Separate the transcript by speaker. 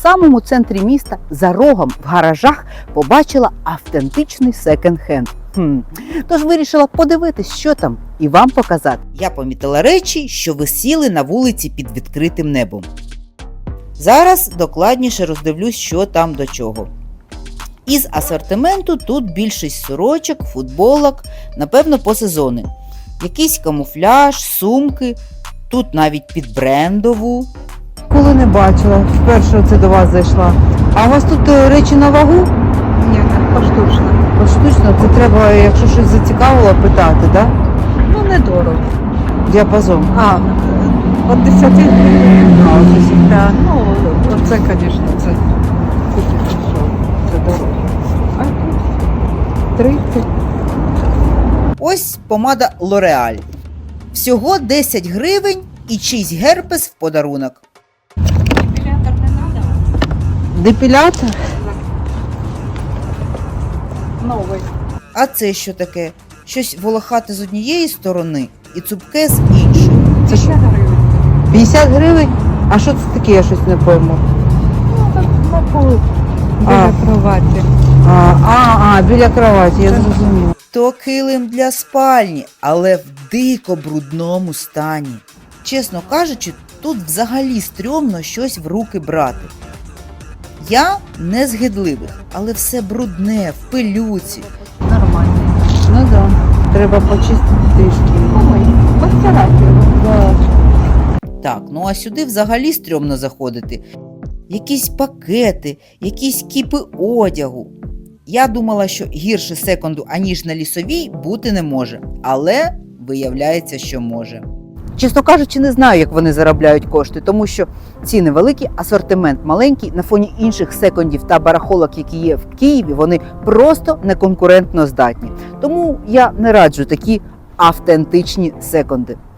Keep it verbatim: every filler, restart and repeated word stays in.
Speaker 1: самому центрі міста, за рогом в гаражах, побачила автентичний секонд-хенд. Хм. Тож вирішила подивитись, що там, і вам показати. Я помітила речі, що висіли на вулиці під відкритим небом. Зараз докладніше роздивлюсь, що там до чого. Із асортименту тут більшість сорочок, футболок, напевно, по сезону. Якийсь камуфляж, сумки, тут навіть під брендову. Коли не бачила, вперше оце до вас зайшла. А у вас тут речі на вагу?
Speaker 2: Ні, поштучно.
Speaker 1: Поштучно, це треба, якщо щось зацікавило, питати, так? Да?
Speaker 2: Ну, недорого.
Speaker 1: Діапазон.
Speaker 2: А, от десяти гривень.
Speaker 1: А, ось ось.
Speaker 2: Да. Ну, оце, звісно, це тільки що, це дорого. А тут тридцять.
Speaker 1: Ось помада L'Oreal. Всього десять гривень і чийсь герпес в подарунок.
Speaker 2: Депілятор не треба?
Speaker 1: Депілятор?
Speaker 2: Новий.
Speaker 1: А це що таке? Щось волохате з однієї сторони і цупке з іншої.
Speaker 2: Це що? гривень.
Speaker 1: п'ятдесят гривень? А що це таке, я щось не пойму.
Speaker 2: Ну, так на полу.
Speaker 1: А.
Speaker 2: Біля кроваті.
Speaker 1: А, а, а біля кроваті, я зрозуміла. То килим для спальні, але в дико брудному стані. Чесно кажучи, тут взагалі стрьомно щось в руки брати. Я не з гидливих, але все брудне, в пилюці.
Speaker 2: Нормально.
Speaker 1: Ну так, да. Треба почистити трішки.
Speaker 2: Ой, постирати його.
Speaker 1: Да. Так, ну а сюди взагалі стрьомно заходити. Якісь пакети, якісь кіпи одягу. Я думала, що гірше секонду, аніж на Лісовій, бути не може. Але виявляється, що може. Чесно кажучи, не знаю, як вони заробляють кошти, тому що ціни великі, асортимент маленький, на фоні інших секондів та барахолок, які є в Києві, вони просто неконкурентно здатні. Тому я не раджу такі автентичні секонди.